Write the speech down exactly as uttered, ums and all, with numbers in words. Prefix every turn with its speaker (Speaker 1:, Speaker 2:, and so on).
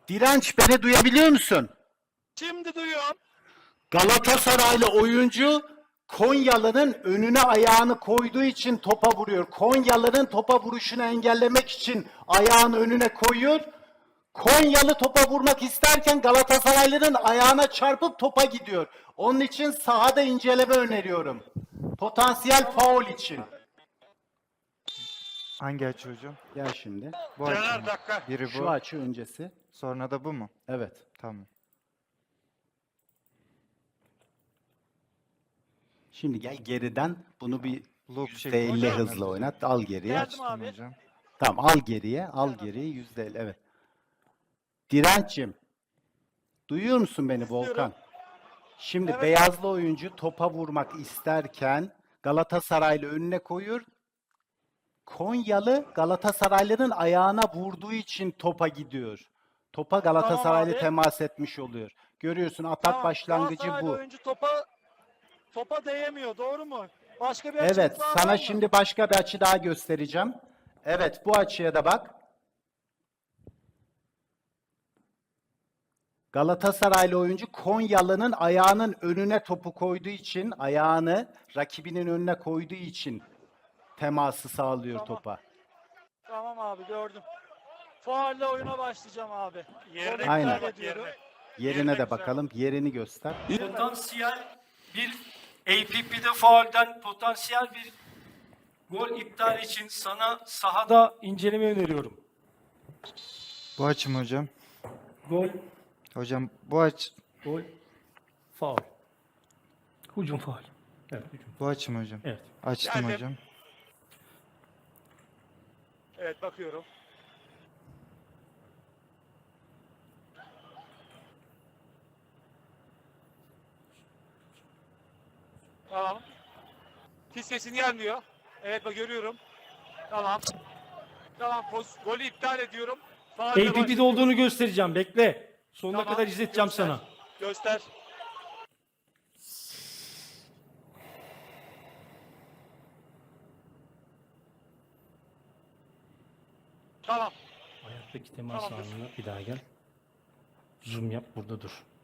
Speaker 1: Direnç, beni duyabiliyor musun?
Speaker 2: Şimdi duyuyorum.
Speaker 1: Galatasaraylı oyuncu Konyalı'nın önüne ayağını koyduğu için topa vuruyor. Konyalı'nın topa vuruşunu engellemek için ayağını önüne koyuyor. Konyalı topa vurmak isterken Galatasaraylı'nın ayağına çarpıp topa gidiyor. Onun için sahada inceleme öneriyorum. Potansiyel faul için.
Speaker 3: Hangi açı hocam?
Speaker 1: Gel şimdi.
Speaker 3: Bu açı
Speaker 2: Caner
Speaker 3: mı?
Speaker 2: dakika.
Speaker 3: Biri bu.
Speaker 1: Şu açı öncesi.
Speaker 3: Sonra da bu mu?
Speaker 1: Evet.
Speaker 3: Tamam.
Speaker 1: Şimdi gel geriden bunu bir
Speaker 3: Loop
Speaker 1: yüzde
Speaker 3: şeklinde
Speaker 1: elli
Speaker 3: oynat
Speaker 1: hızla
Speaker 3: hocam.
Speaker 1: oynat. Al geriye.
Speaker 2: Geldim
Speaker 3: Açtım
Speaker 2: abi.
Speaker 3: hocam.
Speaker 1: Tamam, al geriye. Al geriye yüzde elli. Evet. Direnç'im. Duyuyor musun beni Volkan? Şimdi
Speaker 2: Evet.
Speaker 1: beyazlı oyuncu topa vurmak isterken Galatasaraylı önüne koyuyor. Konyalı Galatasaraylı'nın ayağına vurduğu için topa gidiyor. Topa Galatasaraylı
Speaker 2: abi.
Speaker 1: temas etmiş oluyor. Görüyorsun, atak
Speaker 2: Tamam,
Speaker 1: başlangıcı
Speaker 2: Galatasaraylı
Speaker 1: bu.
Speaker 2: oyuncu topa topa değemiyor. Doğru mu? Başka bir açınız
Speaker 1: Evet,
Speaker 2: daha
Speaker 1: sana
Speaker 2: var mı?
Speaker 1: şimdi başka bir açı daha göstereceğim. Evet, bu açıya da bak. Galatasaraylı oyuncu Konyalı'nın ayağının önüne topu koyduğu için, ayağını rakibinin önüne koyduğu için teması sağlıyor
Speaker 2: Tamam.
Speaker 1: topa.
Speaker 2: Tamam abi gördüm. Faulle oyuna başlayacağım abi.
Speaker 1: Aynen.
Speaker 2: Aynen. Ediyorum.
Speaker 1: Yerine de bakalım, yerini göster.
Speaker 4: Potansiyel bir A P P'de faulden potansiyel bir gol iptal için sana sahada inceleme öneriyorum.
Speaker 3: Bu açı mı hocam?
Speaker 4: Gol,
Speaker 3: Hocam bu aç
Speaker 4: gol, faul. Hücum faul. Evet, hücum.
Speaker 3: bu açı mı hocam?
Speaker 4: Evet.
Speaker 3: Açtım
Speaker 2: Geldim.
Speaker 3: hocam.
Speaker 2: Evet bakıyorum. Tamam. Hiç sesin gelmiyor. Evet bak görüyorum. Tamam. Tamam. Poz, golü iptal ediyorum. Faulle
Speaker 4: A P P'de
Speaker 2: başlıyorum.
Speaker 4: olduğunu göstereceğim. Bekle. Sonuna
Speaker 2: Tamam,
Speaker 4: kadar izleteceğim
Speaker 2: göster.
Speaker 4: sana.
Speaker 2: Göster. Tamam.
Speaker 4: Ayaktaki temas
Speaker 2: Tamamdır.
Speaker 4: anına bir daha gel. Zoom yap, burada dur.